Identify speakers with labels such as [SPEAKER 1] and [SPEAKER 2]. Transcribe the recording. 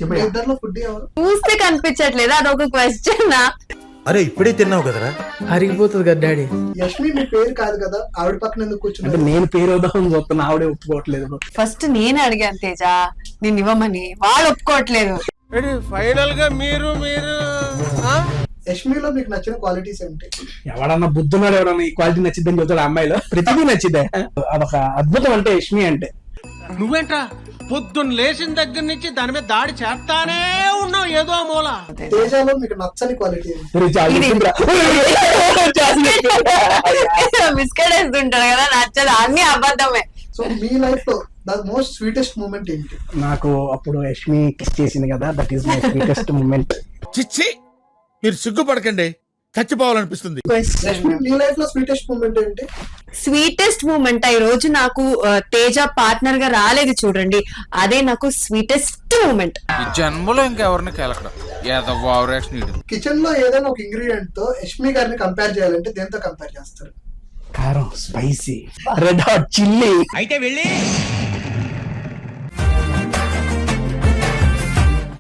[SPEAKER 1] మీ ఇద్దరిలో ఫుడ్ ఎవరు?
[SPEAKER 2] చూస్తే కనిపించట్లేదు, అదొక క్వశ్చన్.
[SPEAKER 3] అరే ఇప్పుడే తిన్నావు కదరా.
[SPEAKER 4] అరిగిపోతుంది కదా డాడీ.
[SPEAKER 1] యష్మి మీ పేరు కాదు కదా, ఆవిడ పక్కన ఎందుకు
[SPEAKER 4] అంటే
[SPEAKER 1] కూర్చున్నారు?
[SPEAKER 4] నేను పేరు వద్దామని చూస్తున్నా, ఆవిడే ఒప్పుకోవట్లేదు.
[SPEAKER 2] ఫస్ట్ నేనే అడిగాను తేజ నేను ఇవ్వమని, వాళ్ళు ఒప్పుకోవట్లేదు.
[SPEAKER 5] ఫైనల్ గా మీరు
[SPEAKER 1] యష్మిలో మీకు నచ్చిన క్వాలిటీస్ ఏంటి?
[SPEAKER 4] ఎవడన్నా బుద్ధున్నాడు, ఎవడన్నా ఈ క్వాలిటీ నచ్చిద్దని చెబుతాడు. అమ్మాయిలో ప్రతిదీ నచ్చిద్దే. అదొక అద్భుతం అంటే యష్మి అంటే.
[SPEAKER 5] నువ్వేంట్రా పొద్దున్న లేచిన దగ్గర నుంచి దాని మీద దాడి చేస్తానే ఉన్నావు ఏదో మూల.
[SPEAKER 1] తేజాలో మీకు నచ్చని క్వాలిటీ ఏంటి?
[SPEAKER 2] బిస్కెట్ వేస్తుంటారు కదా, నచ్చదు, అన్ని అబద్ధమే.
[SPEAKER 1] సో మీ లైఫ్ లో ద మోస్ట్ స్వీటెస్ట్ మూమెంట్ ఏంటి?
[SPEAKER 4] నాకు అప్పుడు యష్మి కిస్ చేసింది కదా, that is my sweetest moment.
[SPEAKER 3] చిచ్చి మీరు సిగ్గుపడకండి, చచ్చిపోవాలనిపిస్తుంది.
[SPEAKER 1] యష్మి మీ లైఫ్ లో స్వీటెస్ట్ మూమెంట్ ఏంటి?
[SPEAKER 2] స్వీటెస్ట్ మూమెంట్ ఈ రోజు నాకు తేజ పార్ట్నర్ గా రాలేదు చూడండి, అదే నాకు స్వీటెస్ట్ మూమెంట్.
[SPEAKER 6] ఈ జన్మలో ఇంకెవరిని కలకడం ఏదో ఓవరాక్షన్.
[SPEAKER 1] కిచెన్ లో ఏదైనా ఒక ఇంగ్రీడియంట్ తో యష్మి గారిని కంపేర్ చేయాలంటే దేంతో కంపేర్ చేస్తారు?
[SPEAKER 4] కారం, స్పైసీ, రెడ్ హాట్ చిల్లీ.
[SPEAKER 5] అయితే వెళ్ళి